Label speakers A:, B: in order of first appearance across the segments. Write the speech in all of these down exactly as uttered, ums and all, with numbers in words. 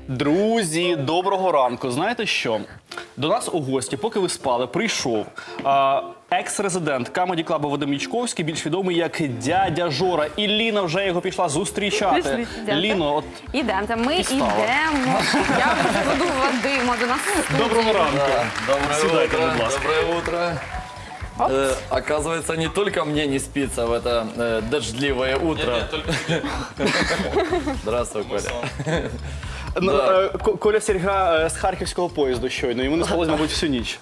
A: Друзі, доброго ранку. Знаєте що? До нас у гості, поки ви спали, прийшов а, екс-резидент камеді-клабу Вадим Ячковський, більш відомий як дядя Жора. І Ліна вже його пішла зустрічати.
B: Пішли,
A: Ліно, от
B: Ідемте, ми
A: встала.
B: йдемо. Я вже веду Вадима до нас. в студію.
A: доброго ранку.
C: Доброе
A: Сідайте,
C: утро,
A: будь ласка.
C: доброе утро. Э, оказывается, не только мне не спится в это э, дождливое утро. Здравствуй, Коля.
A: Ну,
C: Да.
A: е, Ко- Коля Серга е, з харківського поїзду щойно. Йому не спалось, мабуть, всю ніч.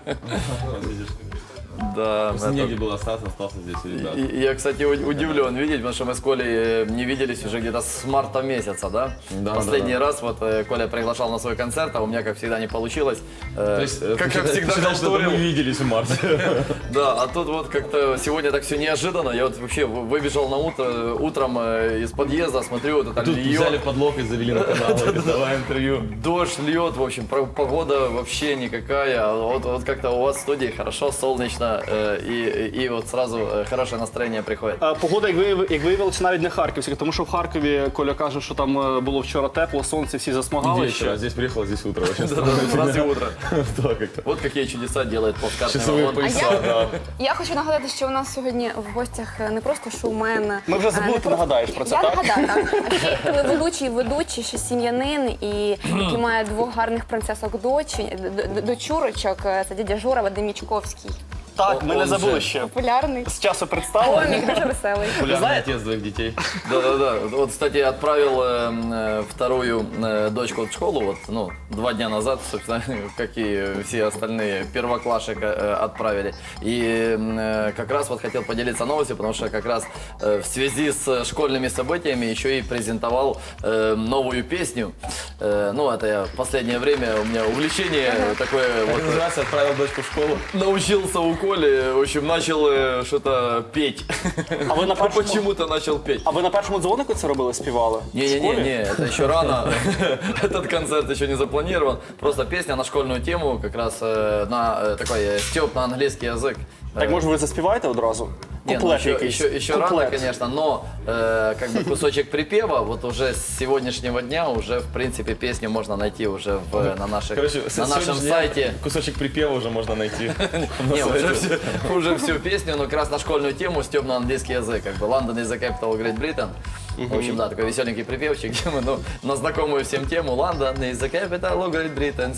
C: Да, это-
D: Негде было остаться, остался здесь у ребят.
C: И- Я, кстати, у- удивлен видеть, потому что мы с Колей э, не виделись уже где-то с марта месяца, да?
D: Да,
C: Последний
D: да, да.
C: раз вот э, Коля приглашал на свой концерт, а у меня, как всегда, не получилось. Э,
D: То есть, э,
C: как,
D: ты
C: как
D: считаешь-
C: всегда,
D: ты считаешь, что
C: конторил.
D: мы виделись в марте.
C: Да, а тут вот как-то сегодня так все неожиданно. Я вот вообще вы- выбежал на утро, утром э, из подъезда, смотрю, вот это
D: Тут
C: льет.
D: взяли под локоть, завели на канал, говорит, давай интервью.
C: Дождь льет, в общем, про- погода вообще никакая. А Вот, вот как-то у вас в студии хорошо, солнечно, э, и, и вот сразу э, хорошее настроение приходит.
A: Е, Погода, як вияв- як виявилося, навіть не харківська, тому що в Харкові Коля каже, що там е, було вчора тепло, сонце, всі засмагали
D: Вечер,
A: ще.
D: а здесь приехал, здесь утро. Вообще
C: Да, раз и утро.
D: Да, как-то.
C: Вот какие чудеса делает плацкартный
D: Часовые
C: вагон.
D: пояса, да.
B: Я хочу нагадати, що у нас сьогодні в гостях не просто шоумен.
A: Ми вже
B: е,
A: забули,
B: не
A: ти
B: просто-
A: нагадаєш про це,
B: Я
A: так?
B: нагадаю, так. А ще й телеведучий, ведучий, ще сім'янин, і який має двох гарних принцесок дочі, д- д- дочурочок. Це дядя Жора Вадим Ячковський.
A: Так, ми не
C: Он
A: забули
C: же.
A: ще.
B: Популярний.
A: З часу представили.
B: Комік, дуже веселий.
D: Популярный отец двоих детей.
C: Да-да-да. Вот, кстати, отправил э, э, вторую э, дочку в школу, вот, ну, два дня назад, собственно, как и все остальные первоклашек э, отправили. И э, как раз вот хотел поделиться новостью, потому что как раз э, в связи с школьными событиями еще и презентовал э, новую песню. Э, ну, это я в последнее время, у меня увлечение такое
D: Как
C: вот.
D: называется, отправил дочку в школу.
C: Научился у Коли, в общем, начал э, что-то петь.
A: А ви на першому,
C: Почему-то начал петь.
A: а ви на першому дзвонику це робили, співали? В школі?
C: Не-не-не, это еще рано. Этот концерт еще не запланирован. Просто песня на школьную тему, как раз э, на э, такой э, стёб на английский язык.
A: Так, може, ви заспіваєте одразу?
C: Не, ну,
A: Куплет
C: еще,
A: якийсь.
C: еще, еще рано,
A: Куплет.
C: конечно, но э, как бы кусочек припева, вот уже с сегодняшнего дня уже, в принципе, песню можно найти уже в, на, наших,
D: Короче, с
C: на нашем
D: сегодняшнего
C: сайте.
D: дня кусочек припева уже можно найти. на
C: Не, уже,
D: сайте.
C: все, уже всю песню, но как раз на школьную тему стёб на английский язык. Как бы London is the capital of Great Britain. В общем, да, такой веселенький припевчик, где мы, ну, на знакомую всем тему London is the capital of Great Britain.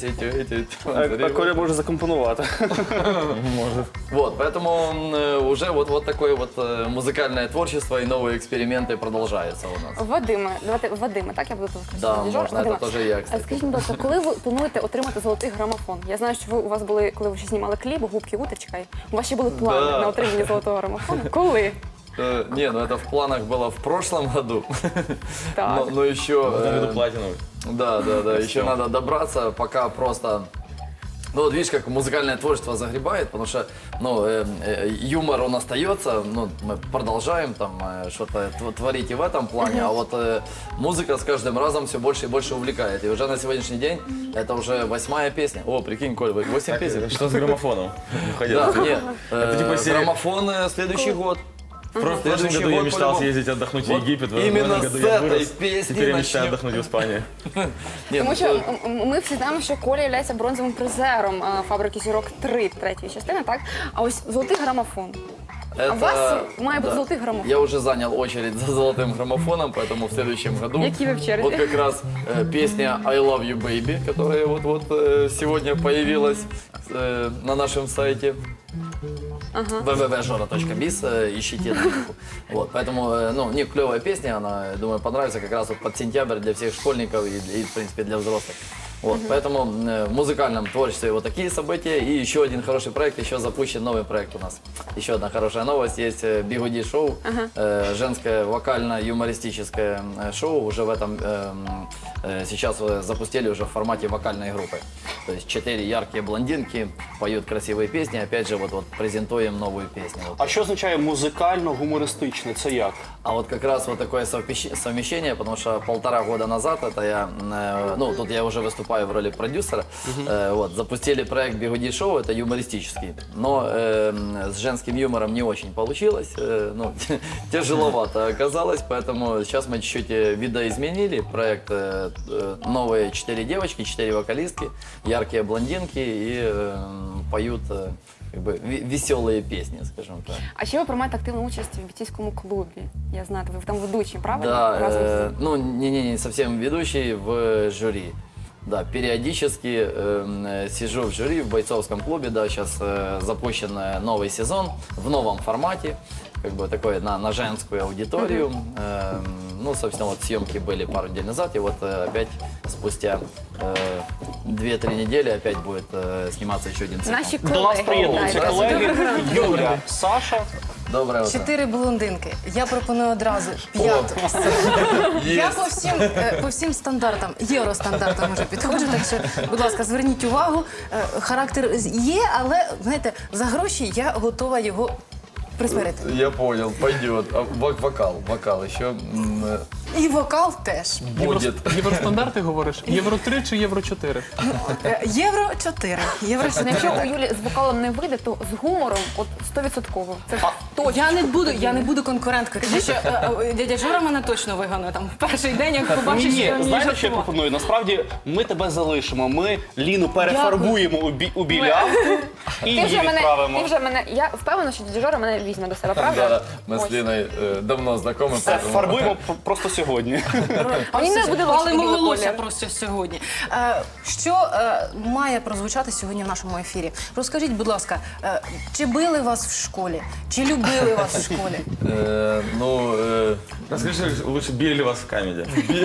A: А, а Коля може закомпонувати.
C: Вот, поэтому э, уже вот, вот такое вот э, музыкальное творчество и новые эксперименты продолжаются у нас.
B: Вадиме, давайте Вадиме, так я буду тут
C: Да, можна, це теж я, кстати.
B: Скажіть, будь ласка, коли ви плануєте отримати золотий грамофон? Я знаю, що ви у вас були, коли ви ще знімали кліп, губки уточка, у вас ще були плани
C: Да.
B: на отримання золотого грамофону. Коли?
C: Э, не, ну это в планах было в прошлом году.
B: Так.
C: Но, но еще...
D: В этом году
C: э,
D: платиновый.
C: Да, да, да, еще надо добраться, пока просто... Ну вот видишь, как музыкальное творчество загребает, потому что, ну, э, э, юмор он остается, ну, мы продолжаем там э, что-то тв- творить и в этом плане, а вот э, музыка с каждым разом все больше и больше увлекает. И уже на сегодняшний день это уже восьмая песня. О, прикинь, Коль, восемь песен.
D: Что с граммофоном?
C: Да,
D: Уходил.
C: нет, э,
D: типа серия-
C: граммофон э, следующий год.
D: В прошлом
C: Следующий
D: году я
C: год
D: мечтал
C: по-любому.
D: съездить отдохнуть в
C: Вот
D: Египет, в
C: именно
D: этом году
C: с
D: я
C: этой
D: вырос.
C: песни
D: Теперь я мечтаю
C: начнем.
D: отдохнуть в Испании.
C: Нет,
B: Тому
C: ну,
B: що м- м- ми всі знаємо, що Коля є бронзовим призером е, фабрики зірок три третьої частини, так? А ось золотий грамофон. А у вас має бути золотий грамофон.
C: Я уже занял очередь за золотым граммофоном, поэтому в следующем году
B: Які ви в черзі?
C: вот как раз э, песня I Love You Baby, которая вот-вот э, сегодня появилась э, на нашем сайте.
B: Ага.
C: вэ вэ вэ точка жора точка биз, э, ищите ссылку. Вот, поэтому, э, ну, не клевая песня, она, я думаю, понравится как раз вот под сентябрь для всех школьников и, и, в принципе, для взрослых. Вот, поэтому э, в музыкальном творчестве вот такие события. И еще один хороший проект, еще запущен новый проект у нас. Еще одна хорошая новость, есть э, Бигуди шоу, э, женское вокально-юмористическое э, шоу. Уже в этом э, э, сейчас э, запустили уже в формате вокальной группы. То есть четыре яркие блондинки поют красивые песни. Опять же, вот, вот презентуем новую песню. Вот.
A: А що означає музикально-гумористичне? Це як?
C: А вот как раз вот такое совпещ- совмещение, потому что полтора года назад это я, э, ну, тут я уже выступал выступаю в роли продюсера. Э, вот, запустили проект «Бигуди шоу», это юмористический, но э, с женским юмором не очень получилось, э, ну, тяжеловато оказалось, поэтому сейчас мы чуть-чуть э, видоизменили проект. Э, э, новые четыре девочки, четыре вокалистки, яркие блондинки и э, поют э, как бы ве- веселые песни, скажем так.
B: А ще ви приймаєте активну участь в бійцівському клубі. Я знаю, ви там ведучі, правильно?
C: Да,
B: Разом
C: э,
B: з-
C: ну не-не, не совсем ведущий в жюри. Да, периодически э, сижу в жюри в бойцовском клубе, да, сейчас э, запущен э, новый сезон в новом формате, как бы такой на, на женскую аудиторию. Э, ну, собственно, вот съемки были пару недель назад, и вот э, опять спустя э, две-три недели опять будет э, сниматься еще один сезон.
B: Наші колеги.
A: До нас приєднуються
B: Так.
A: колеги Юля, Саша.
C: Доброе утро.
E: Чотири блондинки. Я пропоную одразу п'яту. Я по всім, е, по всім стандартам, євростандартам вже підходжу, так що, будь ласка, зверніть увагу. Е, Характер є, але, знаєте, за гроші я готова його присмирити.
C: Я понял, пойдет. А вок- вокал, вокал еще м, э,
E: І вокал теж.
C: будет.
F: Євростандарти говориш? Євро три чи євро чотири?
E: Е, Євро чотири. Євро
B: Ну, якщо у Юлі з вокалом не вийде, то з гумором от сто відсотків. Це точно.
E: Я не буду, я не буду конкуренткою, тому що е, е, дядя Жора мене точно вигонує там в перший день, як
A: Ні,
E: побачить,
A: ні,
E: що я вмію
A: знаєте, що я
E: жартувати.
A: пропоную? Насправді ми тебе залишимо. Ми Ліну перефарбуємо у, бі, у білявку і
B: Ти
A: її
B: вже мене,
A: відправимо.
B: ти вже мене, я впевнена, що дядя Жора мене візьме до себе, правда?
C: Да, мы с
B: Ось.
C: Линой э, давно знакомы,
A: Все,
C: поэтому...
A: фарбуємо п- просто сьогодні.
B: А мені не буде
E: Але
B: лучше
E: волосся
B: колір.
E: просто сьогодні. Е, що е, має прозвучати сьогодні в нашому ефірі? Розкажіть, будь ласка, е, чи били вас в школі? Чи любили вас в школі?
C: Э, ну, э,
D: Расскажи, лучше били ли вас в камеди?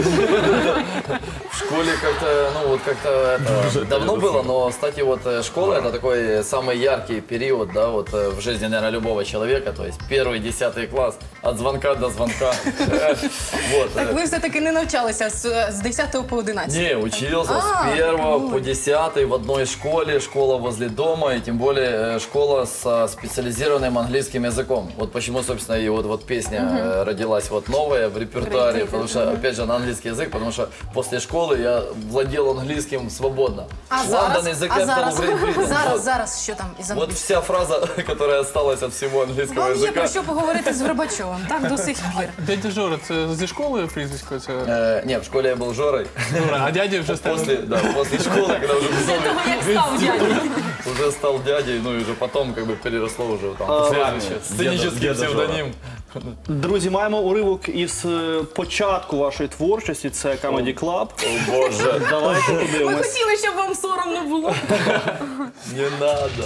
C: в школе как-то, ну вот как-то это давно было, но, кстати, вот э, школа это такой самый яркий период, да, вот э, в жизни, наверное, любого человека, то есть первый, десятый класс, от звонка до звонка. Вот.
E: Так ви все-таки не навчалися з, з десятого по одинадцятий?
C: Не, учился
E: А,
C: с первого
E: ну.
C: по десятый в одной школе, школа возле дома, и тем более э, школа со специализированным английским языком. Вот почему, собственно, и вот, вот песня э, родилась вот новая в репертуаре, потому что, опять же, на английский язык, потому что после школы я владел английским свободно.
E: А
C: London
E: зараз?
C: язык
E: А
C: я
E: зараз?
C: стал Great Britain.
E: Зараз,
C: Вот.
E: зараз, що там із
C: Вот
E: англійського?
C: вся фраза, которая осталась от всего английского
E: Вам є про
C: языка.
E: що поговорити з Вербачовим, так, до сих пір.
F: Дядя Жора, це зі школи прізвисько? Це...
C: Э, не, в школе я был Жорой.
F: А дядя вже став...
C: После, да, после школы, когда уже
E: Після того, як став дядю.
C: уже стал дядей, ну и уже потом как бы переросло уже там
A: А,
C: следующее. Сценический
D: деда Жора.
C: псевдоним.
A: Друзі, маємо уривок із е, початку вашої творчості. Це Comedy Club.
C: О боже,
A: Давайте
E: Ми
A: подивимось.
E: хотіли, щоб вам соромно було.
C: не надо.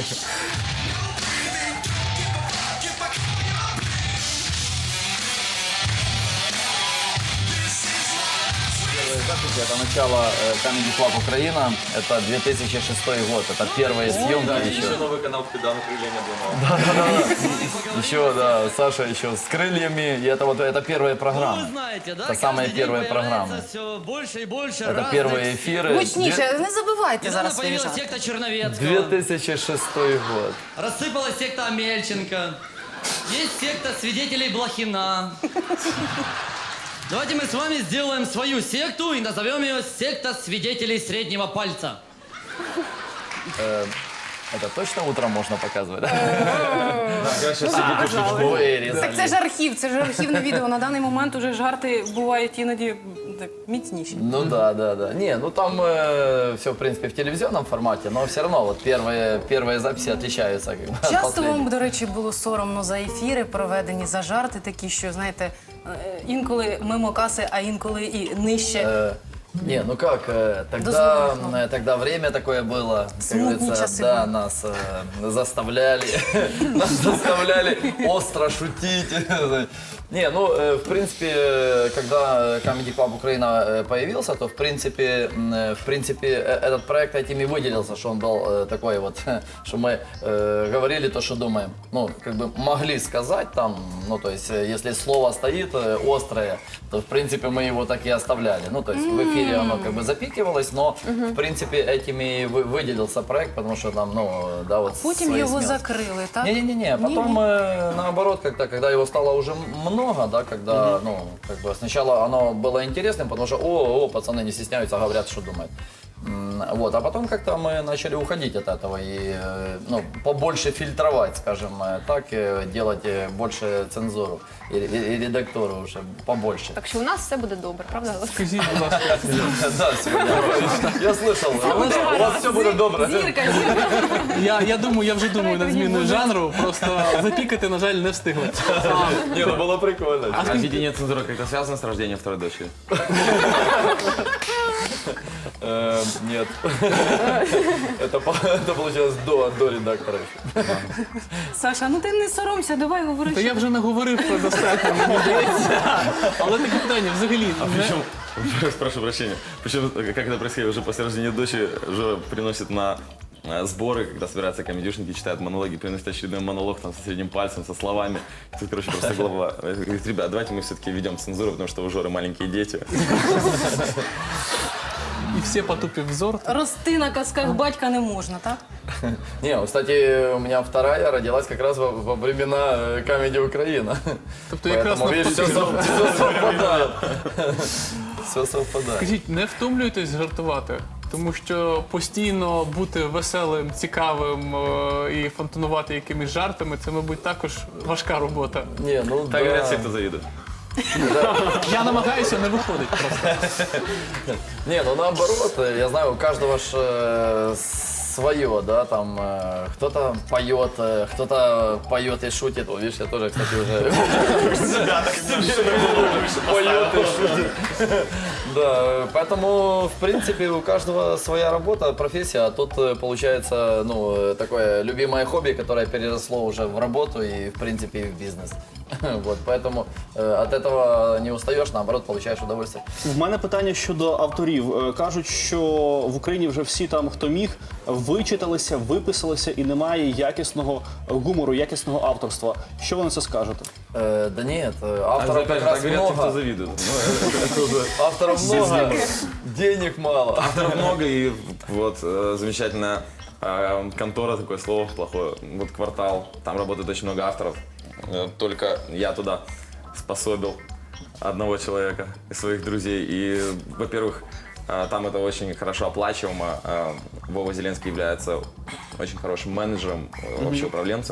C: Первые записи это начало э, Comedy Club Украина, это две тысячи шестой год, это первые съемки
D: Еще
C: еще.
D: новый канал Педан Крылья Обломова.
C: Еще, да, Саша еще с крыльями, и это вот это первые
G: Ну,
C: программы.
G: вы знаете, да?
C: Это самые
G: каждый день
C: первые
G: появляется
C: программы.
G: все больше и больше
C: Это
G: разных...
C: первые эфиры.
E: Гучніше, не забувайте
G: Недавно
E: зараз свої
G: появилась
E: жарти.
G: секта Черновецкого,
C: две тысячи шестой год.
G: рассыпалась секта Амельченко, есть секта свидетелей Блохина. Давайте мы с вами сделаем свою секту и назовем ее «Секта свидетелей среднего пальца».
C: Это точно утром можно показывать, да?
D: Сейчас сидите в
C: Вырезали.
E: Так це ж архів, це ж архівне відео. На даний момент уже жарти бувають іноді так, міцніші.
C: Ну да, да, да. Не, ну там все, в принципе, в телевизионном формате, но все равно вот первые, первые записи отличаются. Как бы, от
E: Часто
C: последних.
E: вам, до речі, було соромно за ефіри, проведені за жарти такі, що, знаєте, е, інколи мимо каси, а інколи і нижче.
C: Э, Не, ну как, э, тогда,
E: Дозволяют, ну.
C: э, тогда время такое было, как
E: Смутные
C: говорится,
E: часы
C: да,
E: были.
C: нас э, заставляли, нас заставляли остро шутить. Не, ну, э, в принципе, э, когда Comedy Club Украина э, появился, то, в принципе, м, э, в принципе, э, этот проект этим и выделился, что он был э, такой вот, что мы э, говорили то, что думаем. Ну, как бы могли сказать там, ну, то есть, э, если слово стоит э, острое, то, в принципе, мы его так и оставляли. Ну, то есть, в эфире эфире оно как бы запикивалось, но в принципе этим и вы- выделился проект, потому что там, ну, да, вот
E: Потім
C: свои
E: його
C: смелости.
E: закрили, так?
C: Не-не-не, потом э, наоборот, как-то, когда его стало уже много, да, когда, ну, как бы сначала оно было интересным, потому что, о, о, пацаны не стесняются, говорят, что думают. М, Вот, а потом как-то мы начали уходить от этого и, э, ну, побольше фильтровать, скажем э, так, э, делать э, больше цензуру и, и- и редактуру уже побольше.
B: Так що у нас все буде добре, правда?
F: Скажіть, будь ласка,
C: Да, сегодня. Я слышал, у вас все будет добре.
B: Зірка, зірка.
F: я, я думаю, я вже думаю над зміною жанру, просто запікати, на жаль, не встигли.
C: Не, ну было прикольно.
D: А введение цензуры как-то связано с рождением второй дочери?
C: Э, Нет. Это по- это получилось до до редактора.
E: Саша, ну ти не соромся, давай говори.
F: Та
E: що-
F: я вже наговорив достатньо, мені здається. Але таке питання взагалі не...
D: Причем, прошу прощения, причем, как это происходит уже после рождения дочери, Жора приносит на э, сборы, когда собираются комедюшники, читают монологи, приносит очередной монолог там со средним пальцем, со словами. И тут, короче, просто голова говорит, ребят, давайте мы все-таки ведем цензуру, потому что у Жоры маленькие дети.
F: І всі потупив взор.
E: Рости на казках батька не можна, так?
C: Не, кстати, у меня вторая родилась как раз во, во времена э, Comedy Украина.
F: Тобто якраз
C: Поэтому, видишь, все,
F: навпаки.
C: совпадает. Все совпадает.
F: Скажіть, не втомлюєтесь жартувати? Тому що постійно бути веселим, цікавим е, і фонтанувати якимись жартами, це, мабуть, також важка робота.
C: Не, ну
D: Так говорят все,
C: да.
D: кто завидует.
F: Я намагаюся, не виходить просто.
C: Не, ну наоборот, э, я знаю, у каждого ж э, свое, да, там э, кто-то поет, э, кто-то поет и шутит. Вот, видишь, я тоже, кстати, уже поет и шутит. Да, поэтому, в принципе, у каждого своя работа, профессия, а тут э, получается, ну, э, такое любимое хобби, которое переросло уже в работу и, в принципе, и в бизнес. Вот, поэтому э, от этого не устаешь, наоборот, получаешь удовольствие.
A: В мене питання щодо авторів. Е, Кажуть, що в Україні вже всі там, хто міг, вичиталися, виписалися і немає якісного гумору, якісного авторства. Що ви на це скажете?
C: Э, да нет, э,
D: А
C: авторов
D: опять
C: как
D: же,
C: раз
D: так говорят те, кто
C: много.
D: завидует. Ну, это уже-
C: Авторов много, денег мало.
D: Авторов много, и вот э, замечательная э, контора, такое слово плохое, вот «Квартал», там работает очень много авторов. Э, Только я туда способил одного человека из своих друзей. И, во-первых, э, там это очень хорошо оплачиваемо. Э, Вова Зеленский является очень хорошим менеджером, э, вообще управленцем.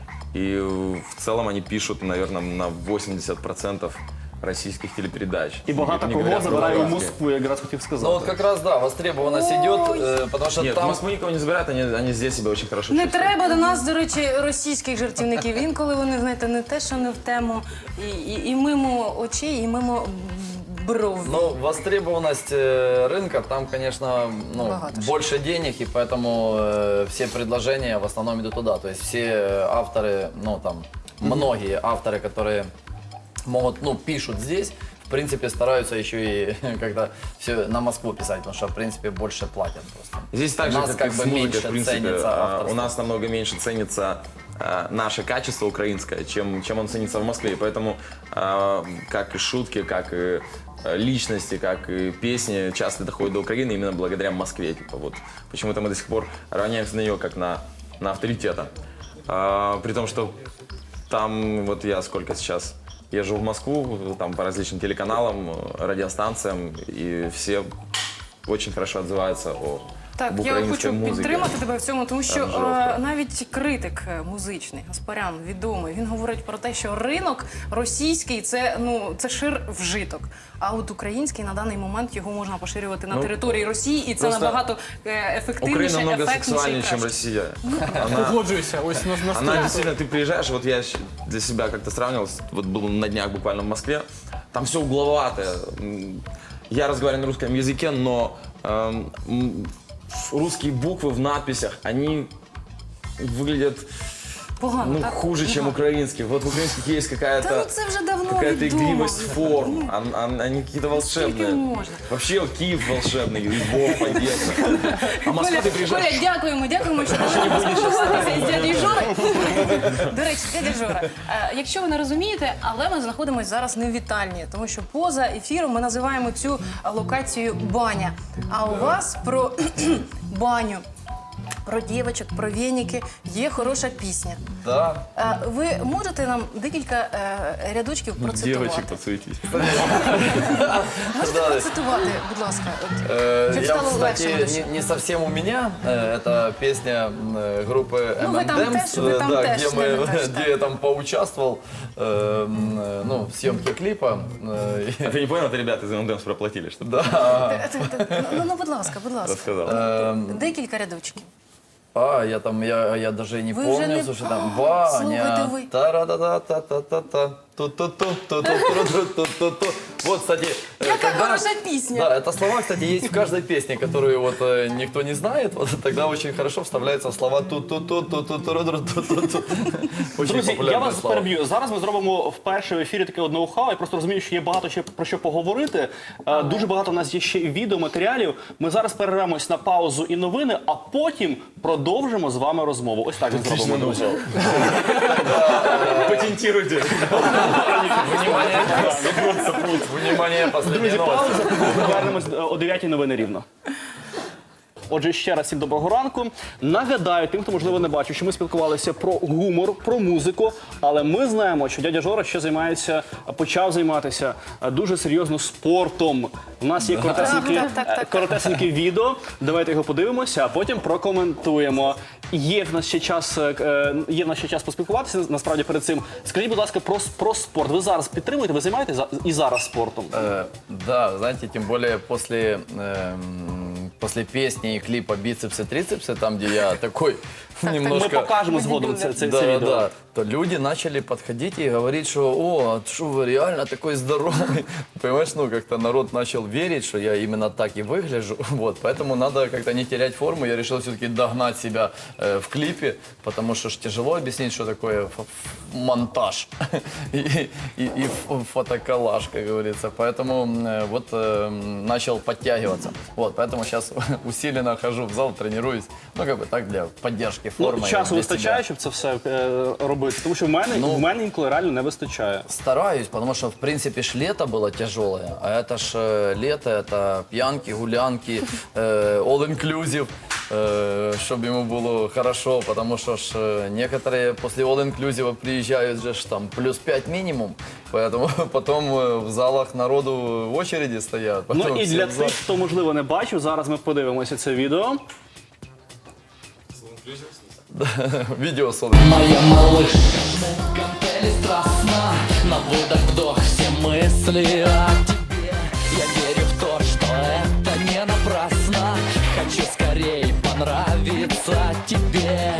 D: И э, в целом они пишут, наверное, на восемьдесят процентов российских телепередач.
A: І багато
D: Не
A: кого
D: говоря про
A: забирає у
D: украинские.
A: Москву, я якраз хотів сказати.
C: Ну вот как раз, да, востребованность идет, э, потому что
D: Нет, в
C: там...
D: Москву никого не забирают, они, они здесь себя очень хорошо
E: Не
D: чувствуют.
E: треба до нас, до речі, російських жартівників. Інколи вони, знаєте, не те, що не в тему, і, і, і мимо очей, і мимо бров.
C: Ну, востребованность э, рынка, там, конечно, ну,
E: Богато ж.
C: больше денег, и поэтому э, все предложения в основном идут туда. То есть все э, авторы, ну, там, многие авторы, которые могут, ну, пишут здесь, в принципе, стараются еще и как-то все на Москву писать, потому что, в принципе, больше платят просто.
D: Здесь так
C: У
D: же,
C: нас
D: как,
C: как
D: и
C: бы
D: с музыкой,
C: меньше
D: в принципе,
C: ценится
D: а,
C: авторство.
D: у нас намного меньше ценится а, наше качество украинское, чем, чем он ценится в Москве. И поэтому а, как и шутки, как и а, личности, как и песни часто доходят до Украины именно благодаря Москве. Типа, вот. Почему-то мы до сих пор равняемся на нее как на, на авторитета. А, при том, что там, вот я сколько сейчас езжу в Москву, там по различным телеканалам, радиостанциям, и все очень хорошо отзываются о
E: Так,
D: об
E: я
D: українській
E: хочу
D: музиці.
E: підтримати тебе в цьому, тому що
D: Там жорстко.
E: е, навіть критик е, музичний, Гаспарян, відомий, він говорить про те, що ринок російський це ну це шир вжиток. А от український на даний момент його можна поширювати на
D: Ну,
E: території Росії, і це
D: просто
E: набагато е, ефективніше,
D: Украина много
E: ефектніше і
D: сексуальнее, чем
E: краще.
D: Россия.
F: Погоджуюся, ось на, на
D: Она
F: сто.
D: действительно, ты приезжаешь, вот я щ- для себя как-то сравнивал, вот был на днях буквально в Москве, там все угловатое. М, Я разговариваю на русском языке, но эм, м, русские буквы в надписях, они выглядят
E: Погано,
D: Ну,
E: так?
D: хуже, чем украинских. Вот в украинских есть
E: Та ну
D: какая-то
E: це вже давно
D: какая-то
E: відомо.
D: игривость форм. Он- он- Они какие-то
E: Скільки
D: волшебные.
E: можна?
D: Вообще Киев волшебный, Львов, Одесса. А Москва
E: Коля,
D: ты приезжаешь...
E: Коля, дякуємо, дякуємо, що дали нам поспілкуватися з дядю Жорою. До речі, дядя Жора, е, якщо ви не розумієте, але ми знаходимося зараз не в вітальні, тому що поза ефіром ми називаємо цю локацію баня. А у вас про баню, про дівочок, про вєніки є хороша пісня.
C: Да.
E: Е, Ви можете нам декілька е, рядочків процитувати?
D: Девочек, подсуетись.
E: Можете процитувати, будь ласка? От,
C: Э,
E: щоб
C: Я,
E: стало легше
C: кстати,
E: глядачам.
C: не, не совсем у меня. Э, Это песня э, группы
E: Ну, вы там
C: эм энд эмс,
E: теж, вы там
C: да,
E: теж,
C: где, мы,
E: наверное, теж,
C: где я там поучаствовал э, м, э, ну, в съемке клипа. Э,
D: А ты не понял, это ребята из эм энд эмс проплатили, что
C: Да.
E: Це- це- Ну, ну, будь ласка, будь ласка.
D: рассказал.
C: Эм,
E: Декілька рядочків.
C: А, я там, я, я даже и не
E: Вы
C: помню,
E: уже не-
C: слушай, там
E: А, слушайте
C: Ваня,
E: вы.
C: та-ра-да-да-та-та-та-та, ту-ту-ту-ту-ту-ту-ту-ту. Вот, кстати, э,
E: Яка
C: когда-
E: хороша пісня.
C: Да, это слова, кстати, есть в каждой песне, которую вот э, никто не знает, вот тогда очень хорошо вставляются слова ту-ту-ту-ту-ту-ту-ту-ту-ту. Очень
A: Друзі, я
C: популярные
A: вас
C: слова.
A: переб'ю. Зараз ми зробимо вперше в ефірі таке одне ухау. Я просто розумію, що є багато ще про що поговорити. Е, Дуже багато в нас є ще і відеоматеріалів. Ми зараз перервемось на паузу і новини, а потім продовжимо з вами розмову. Ось так ми зробимо, друзі.
D: Патентируйте.
C: Внимание, внимание, последняя
A: Друзі,
C: новость.
A: пауза. Повернемось е, о дев'ятій новини рівно. Отже, ще раз всім доброго ранку. Нагадаю, тим, хто, можливо, не бачив, що ми спілкувалися про гумор, про музику, але ми знаємо, що дядя Жора ще займається, почав займатися е, дуже серйозно спортом. У нас є коротесенькі,
E: Так, так, так, так.
A: е, коротесеньке відео, давайте його подивимося, а потім прокоментуємо. Є в нас ще час, е, е, є в нас ще час поспілкуватися, насправді, перед цим. Скажіть, будь ласка, про, про спорт. Ви зараз підтримуєте, ви займаєтесь за- і зараз спортом?
C: Э, Да, знаете, тем более после, эм, после песни и клипа «Бицепсы-трицепсы», там, где я такой немножко...
A: Ми покажемо згодом це, це,
C: Да,
A: це відео.
C: да, то люди начали подходить и говорить, что «О, что вы реально такой здоровый». Понимаешь, ну как-то народ начал верить, что я именно так и выгляжу. Вот, поэтому надо как-то не терять форму. Я решил все-таки догнать себя э, в клипе, потому что ж тяжело объяснить, что такое фо- монтаж и, и, и ф- фотоколлаж, как говорится. Поэтому э, вот э, начал подтягиваться. Вот, поэтому сейчас усиленно хожу в зал, тренируюсь. Ну, как бы так, для поддержки формы.
A: Ну,
C: и
A: часу
C: для
A: вистачає,
C: себя.
A: щоб це все е, робити? Тому що в мене,
C: Ну,
A: в мене інколи реально не вистачає.
C: Стараюсь, потому что, в принципе, ж лето было тяжелое, а это ж э, лето, это пьянки, гулянки, э, all-inclusive, э, чтобы ему было хорошо, потому что ж э, некоторые после all-inclusive приезжают же ж там плюс пять минимум, поэтому потом э, в залах народу в очереди стоят.
A: Ну
C: потом
A: і
C: все
A: для
C: в зал.
A: тих, хто, можливо, не бачив, зараз ми подивимося це відео.
C: Видео с
G: Моя малышка, гантели страстна, на выдох-вдох все мысли о тебе. Я верю в то, что это не напрасно, хочу скорее понравиться тебе.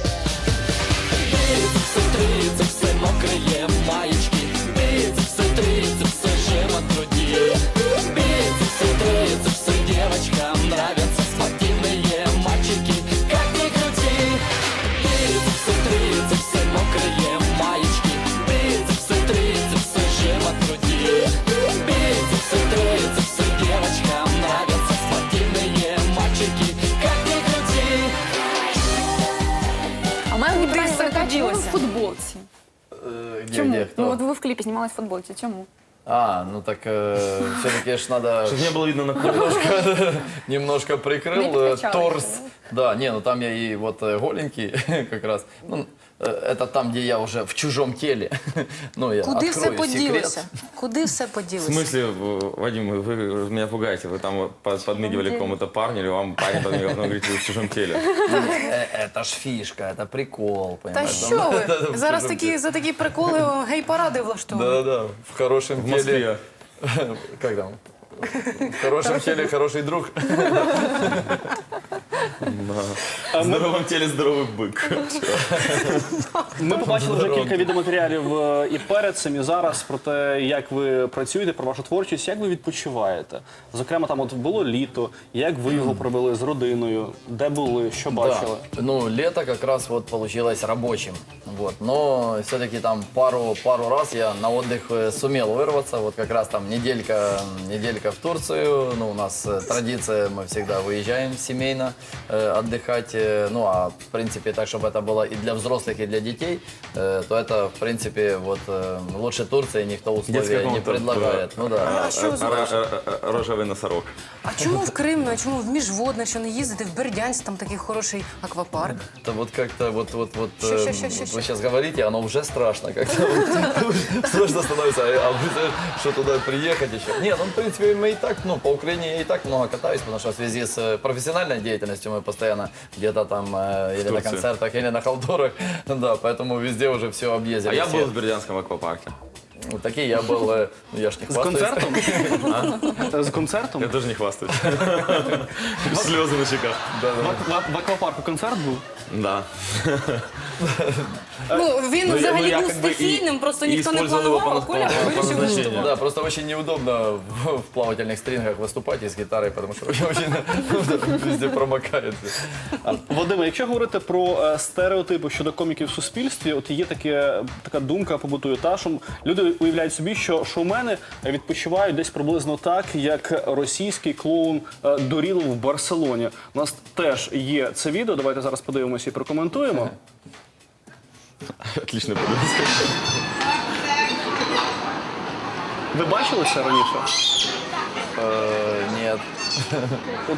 G: Бицепсы, трицепсы, мокрые маечки, бицепсы, трицепсы, жим от груди. Бицепсы, трицепсы, девочкам нравятся спортивные мальчики, как ни крути. Бицепсы, трицепсы, мокрые маечки, бицепсы, трицепсы, жим от груди. Бицепсы, трицепсы, девочкам нравятся спортивные мальчики, как ни крути.
B: А у мене питання
E: все
B: виникає, чому ви в
E: поділося?
B: футболці?
C: Э, где,
B: Чому?
C: где, кто?
B: Ну от ви в кліпі знімались в футболці. Чому?
C: А, ну так все-таки ж надо...
D: Чтобы не было видно на коже.
C: немножко, немножко прикрыл
B: Не
C: э,
B: подкачал
C: торс.
B: еще,
C: Да, не, ну там я и вот э, голенький как раз. Ну, э, это там, где я уже в чужом теле. Ну, я
E: Куди все
C: открою
E: поділося?
C: секрет.
E: Куди все
D: В
E: поділося?
D: смысле, в- Вадим, вы меня пугаете, вы там вот под- подмигивали какому-то парню, или вам парень подмигивал, потом говорите, вы в чужом теле.
C: Э, Это ж фишка, это прикол,
E: Та
C: понимаешь?
E: що
C: Там-
E: ви?
C: в
E: Зараз
C: чужом
E: такі,
C: теле.
E: за такі приколи гей-паради влаштовують.
C: Да-да-да, в хорошем
D: В
C: теле.
D: Москве.
C: Как там? В хорошем теле хороший друг.
D: В здоровом теле здоровый бык.
A: Ми побачили вже кілька відеоматеріалів е, і перед цим, і зараз про те, як ви працюєте, про вашу творчість, як ви відпочиваєте. Зокрема, там от було літо, як ви його провели з родиною, де були, що бачили?
C: Да. Ну, лето как раз вот получилось рабочим. Вот. Но все-таки там пару, пару раз я на отдых э, сумел вырваться. Вот как раз там неделька, неделька в Турцию. Ну, у нас э, традиция, мы всегда выезжаем семейно э, отдыхать. Э, ну, а в принципе, так, чтобы это было и для взрослых, и для детей, э, то это, в принципе, вот э, лучше Турции никто условия
D: Детская
C: не
D: комната,
C: предлагает. Ну да.
E: А що ви зробили?
D: Рожевый носорог.
E: А чому в Крим, ну а чому в Міжводне, що не їздити, в Бердянськ, там такий хороший аквапарк?
C: Это вот как-то вот вот вот
E: Ща, ща,
C: э,
E: ща, ща,
C: вот
E: ща.
C: вы сейчас говорите, оно уже страшно как-то. Страшно становится, а вы знаете, что туда приехать еще. Не, ну в принципе мы и так, ну по Украине я и так много катаюсь, потому что в связи с э, профессиональной деятельностью мы постоянно где-то там э, или на
D: Турции.
C: концертах, или на халтурах, да, поэтому везде уже все объездили.
D: А я
C: все.
D: был в Бердянском аквапарке.
C: Вот такие я был, э, ну я ж не
A: З
C: хвастаюсь.
A: концертом? З концертом?
D: Я тоже не хвастаюсь. Слезы на щеках.
A: В, в, в аквапарку концерт був?
D: Да.
E: Ну, він
D: Ну, я-
E: взагалі
D: ну, я
E: був
D: как бы и-
E: стихійним, просто
D: и
E: ніхто не
D: использовал его
E: планував, а
D: по-
E: Коля
D: по- по
E: вирішив
D: назначению.
E: виступати.
C: Да, просто очень неудобно в, в плавательных стрингах выступать и с гитарой, потому что очень везде промокает.
A: Вадиме, якщо говорити про е, стереотипи щодо коміків в суспільстві, от є таке, така думка побутує, та, що люди уявляють собі, що шоумени відпочивають десь приблизно так, як російський клоун е, Дорілов в Барселоні. У нас теж є це відео, давайте зараз подивимося і прокоментуємо.
D: Отличная подвеска.
A: Ви бачили це раніше?
C: Э, Нет.
A: От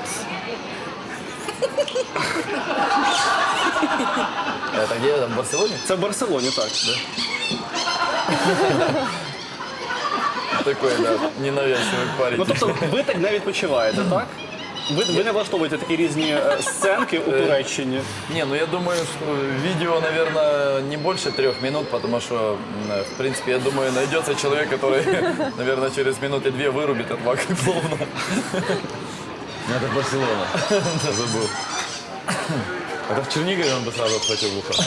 C: Это где? Это в Барселоне?
A: це в Барселоні, так.
C: Такой, да, ненавязчивый парень.
A: Ну тобто ви так не відпочиваєте, так? Ви, ви не влаштовуєте такі різні е, сценки у Туреччині.
C: Не, ну я думаю, что видео, наверное, не больше трех минут, потому что, м, в принципе, я думаю, найдется человек, который, наверное, через минуты две вырубит от вака клоуна.
D: Это Барселона. Забыл. Это в Чернигове он бы сразу отхватил в ухо.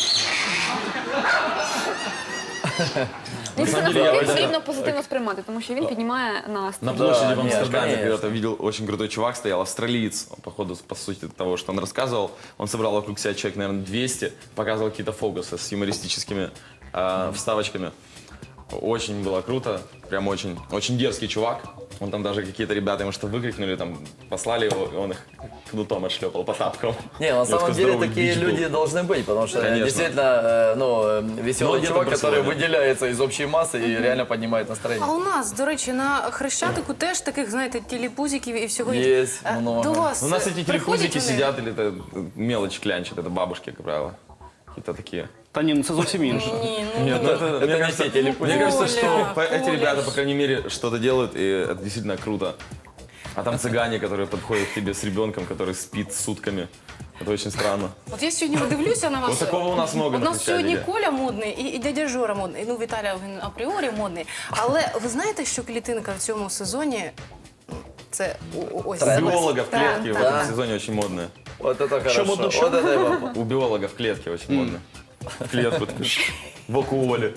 B: Він
D: самом деле, я
B: потрібно позитивно сприймати, тому що він піднімає настрій.
D: На площади в
C: нет,
D: Амстердаме
C: конечно.
D: когда-то видел очень крутой чувак, стоял австралиец. Он, походу, по сути того, что он рассказывал, он собрал вокруг себя человек, наверное, двести, показывал какие-то фокусы с юмористическими э, вставочками. Очень было круто, прям очень, очень дерзкий чувак. Он там даже какие-то ребята ему что выкрикнули, там послали его, и он их кнутом отшлепал по тапкам.
C: Не, на
D: У него
C: самом
D: такой
C: деле
D: здоровый
C: такие
D: бич был.
C: люди должны быть, потому что
D: Конечно.
C: действительно, э, ну, э, веселый
D: Ну, где-то
C: чувак,
D: в
C: который
D: Барселоне.
C: выделяется из общей массы и реально поднимает настроение.
E: А у нас, до речі, на Хрещатику теж таких, знаєте, телепузиків і всього
C: Є
E: іншого. Е,
C: много.
E: До вас
D: У нас
E: е,
D: эти
E: приходять
D: телепузики
E: вони?
D: сидят или это мелочь клянчат, это бабушки, как правило. Какие-то такие.
A: Та ні, ну це зовсім інше.
E: Ні, ну,
D: Нет, ну это,
C: это
D: мне
C: не
D: кажется,
C: те телепузики.
D: мне кажется,
E: Коля,
D: что по- эти
E: Коля.
D: ребята, по крайней мере, что-то делают, и это действительно круто. А там цыгане, которые подходят к тебе с ребенком, который спит сутками. Это очень странно.
E: От я сьогодні дивлюся на вас.
D: Вот такого у нас много
E: У
D: на
E: нас сьогодні
D: Хрещатике.
E: Коля модний і, і дядя Жора модний. Ну, Віталя він апріорі модний. Але ви знаєте, що клітинка в цьому сезоні це о- о- ось.
D: У биологов
E: Так,
D: клетки в
E: так.
D: этом сезоне очень модные.
C: Вот это хорошо.
A: модно,
C: Вот
A: что?
C: это я вам-
D: У биологов клетки очень модные. В клетку такой, в окуоле.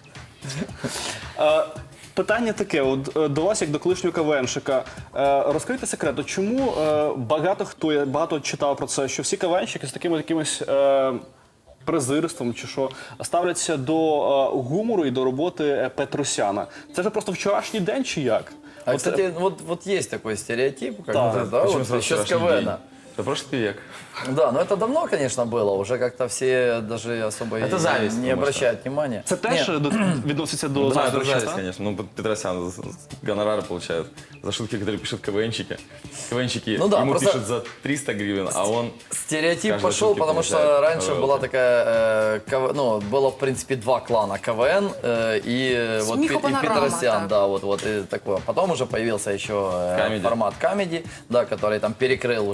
A: Е, Питання таке, от е, до вас, як до колишнього КВНщика. Е, Розкрийте секрет, от чому е, багато хто, я багато читав про це, що всі КВНщики з таким якимось е, презирством чи що ставляться до е, гумору і до роботи е, Петросяна. Це вже просто вчорашній день чи як?
C: А,
A: От,
C: кстати, вот, вот есть такой стереотип, как
A: Да,
C: бы, да,
D: Почему
C: вот
D: сразу
C: еще с
D: вчерашний
C: КВН.
D: день? Это прошлый век.
C: Да, но это давно, конечно, было. Уже как-то все даже особо и
D: Это зависть,
C: не
D: потому
C: обращают внимания.
A: Це теж
C: Не,
A: до- відноситься до
D: Да, это
A: заздрощів,
D: зависть,
A: так?
D: конечно. Ну, Петросян за- за- гонорары получает за шутки, которые пишут КВНчики. КВНчики
C: Ну да,
D: ему
C: просто-
D: пишут за триста гривен, а он...
C: Стереотип
D: Каждой
C: пошел,
D: шутки
C: потому что
D: получает
C: раньше
D: роялти.
C: была такая, э, КВ ну, было в принципе два клана: КВН э, и, э, вот, Пе- и
E: Смехопанорама,
C: Петросян,
E: так.
C: да, вот, вот и такое. Потом уже появился еще э,
D: Камеди.
C: формат комедий, да, который там перекрыл уже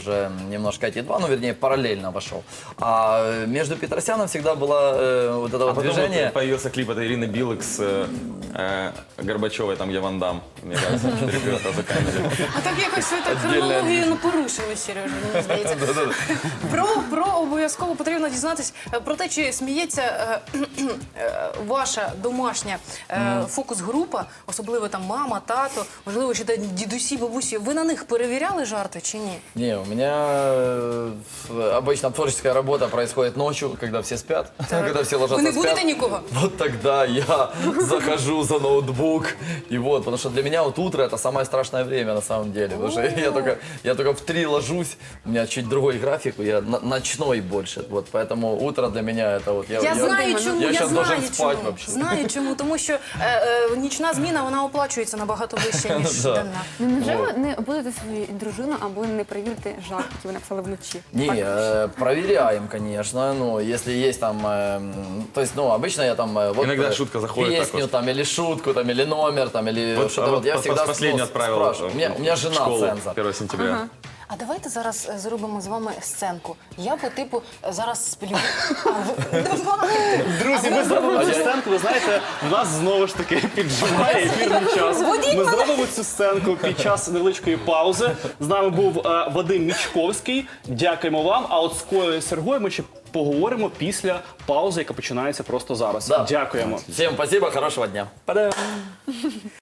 C: немножко эти два, ну, вернее, параллельно вошел. А э, между Петросяном всегда было э, вот это
D: А
C: вот
D: потом
C: движение.
D: вот появился клип от Ирины Билык с э, э, Горбачевой, там, где Ван Дам, мне кажется, четыре раза камеди.
E: А так якось ви так
C: Отдільна
E: хронологію
C: ніч.
E: не порушили, Сережа, мені здається. Про, про обов'язково потрібно дізнатись е, про те, чи сміється е, е, ваша домашня е, фокус-група, особливо там мама, тато, можливо, ще та дідусі, бабусі. Ви на них перевіряли жарти чи ні?
C: Не, у меня э, обычно творческая работа происходит ночью, когда все спят, когда все ложатся
E: Ви не
C: спят.
E: будете нікого?
C: Вот тогда я захожу за ноутбук, и вот, потому что для меня вот утро это самое страшное время на самом деле, потому что я только, я только в три ложусь, у меня чуть другой график, я на- ночной больше, вот, поэтому утро для меня это вот, я,
E: Я знаю чому,
C: я
E: я
C: сейчас
E: знаю
C: должен спать
E: чому.
C: вообще.
E: Знаю чому, тому що е, е, нічна зміна, вона оплачується набагато вище, ніж
C: Да.
E: денна.
B: Ну, невже ви не будете свою дружину або не перевірите жарт, який ви написали вночі?
C: Не, э, проверяем, конечно, ну, если есть там, э, то есть, ну, обычно я там, э, вот,
D: Иногда
C: э,
D: шутка заходит так
C: песню
D: вот.
C: там, или шутку, там, или номер, там, или
D: Вот,
C: что-то
D: а
C: вот,
D: вот
C: я
D: пос-
C: всегда
D: последний
C: ну,
D: отправил
C: спрашиваю. У меня, у меня
D: в
C: жена
D: школу
C: цензор.
D: первого сентября.
E: А давайте зараз е, зробимо з вами сценку. Я по типу е, зараз сплю. А ви- Давайте.
A: Друзі, ми зробимо цю сценку. Ви знаєте, в нас знову ж таки піджимає ефірний час. Ми зробимо цю сценку під час невеличкої паузи. З нами був е, Вадим Мічковський. Дякуємо вам. А от з Колею Сергою ми ще поговоримо після паузи, яка починається просто зараз.
C: Да.
A: Дякуємо.
C: Всем спасибо, хорошего дня.
A: Па-дам!